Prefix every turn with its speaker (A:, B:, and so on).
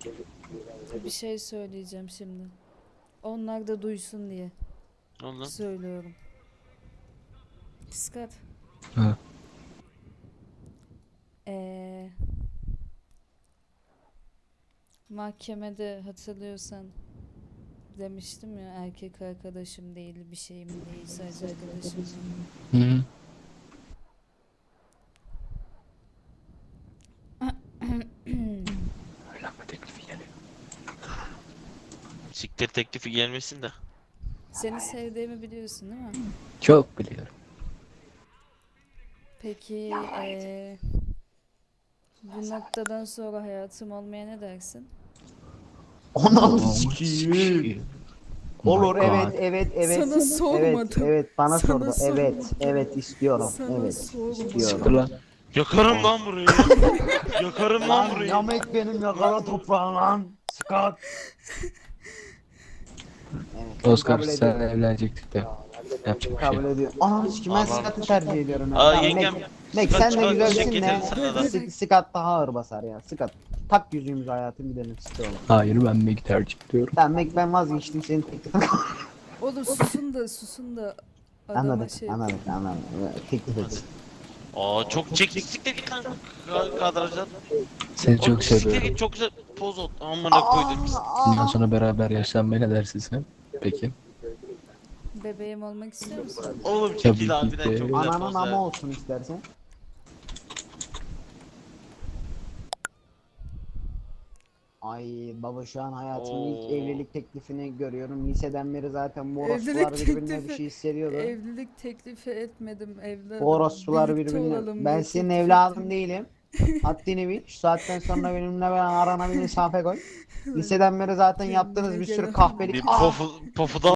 A: Bir şey söyleyeceğim şimdi. Onlar da duysun diye
B: Ondan.
A: söylüyorum. Dikkat.
C: Ha.
A: Ee, Mahkemede hatırlıyorsan demiştim ya, erkek arkadaşım değil, bir şeyim değil, sadece arkadaşım.
C: Hı. Evlenme teklifi geliyor.
B: Siktir teklifi gelmesin de.
A: Seni sevdiğimi biliyorsun değil mi?
C: Çok biliyorum.
A: Peki bu noktadan sonra hayatım olmaya ne dersin?
D: Ananı
C: Tamam,
D: sikeyim.
C: sikeyim.
D: Olur,
C: Oh my
D: evet
C: God.
D: evet evet.
A: Sana sormadım.
D: Evet evet bana
A: Sana
D: sordu. Evet
A: sormadım.
D: evet istiyorum.
A: Sana
D: Evet
A: sormadım.
C: Siktir
D: istiyorum.
C: lan.
B: Yakarım lan burayı. Yakarım lan
D: Lan
B: burayı.
D: yamek benim yakala toprağın lan. Scott. Evet,
C: Oscar
D: kabul
C: sen
D: ediyorum.
C: evlenecektik de. Yapacak bir şey
D: Kabul
C: yok.
D: ediyorum. Ananı sikeyim, ben
B: Allah
D: Scott'ı
B: Allah.
D: tercih ediyorum. ya.
B: Aa,
D: Tamam,
B: yengem.
D: Mek
B: Scott
D: sen de
B: çıkar,
D: güzelsin
B: çiçek
D: de.
B: getirin sana da.
D: Scott daha ağır basar ya. Scott. Tak yüzüğümüzü hayatım, gidelim istiyorum.
C: Hayır, ben Meg'i tercih ediyorum.
D: Tamam Mek, ben vazgeçtim senin teklifine.
A: Oğlum susun da adama
D: Anladık
A: şey.
D: anladık anladık. Teklif et.
B: Aa, çok çektik, siktir git lan. Kadrajdan.
C: Seni çok
B: Siktir
C: seviyorum.
B: git, çok güzel poz oldu. Amına koydum.
C: Bundan sonra beraber yaşlanmaya ne dersin sen? Peki.
A: Bebeğim olmak istiyor musun?
B: Oğlum
C: Tabii
B: çekil
C: ki
B: harbiden, çok
C: de.
B: güzel
D: Ananın
B: poz
D: ama
B: ya.
D: olsun istersen. Ay baba, şu an hayatımın ilk
B: Oo.
D: evlilik teklifini görüyorum. Liseden beri zaten bu orospular
A: Evlilik
D: birbirine bir
A: teklifi-
D: şey hissediyordu.
A: Evlilik teklifi etmedim evladım.
D: Bu orospular
A: Birlikte
D: birbirine.
A: olalım
D: Ben
A: diye
D: senin
A: teklif
D: evladın
A: ettim.
D: değilim. Haddini bil. Şu saatten sonra benimle arana bir mesafe koy. Liseden beri zaten
A: Kendine
D: yaptığınız bir sürü
A: gel.
D: kahpelik.
B: Bir pofu da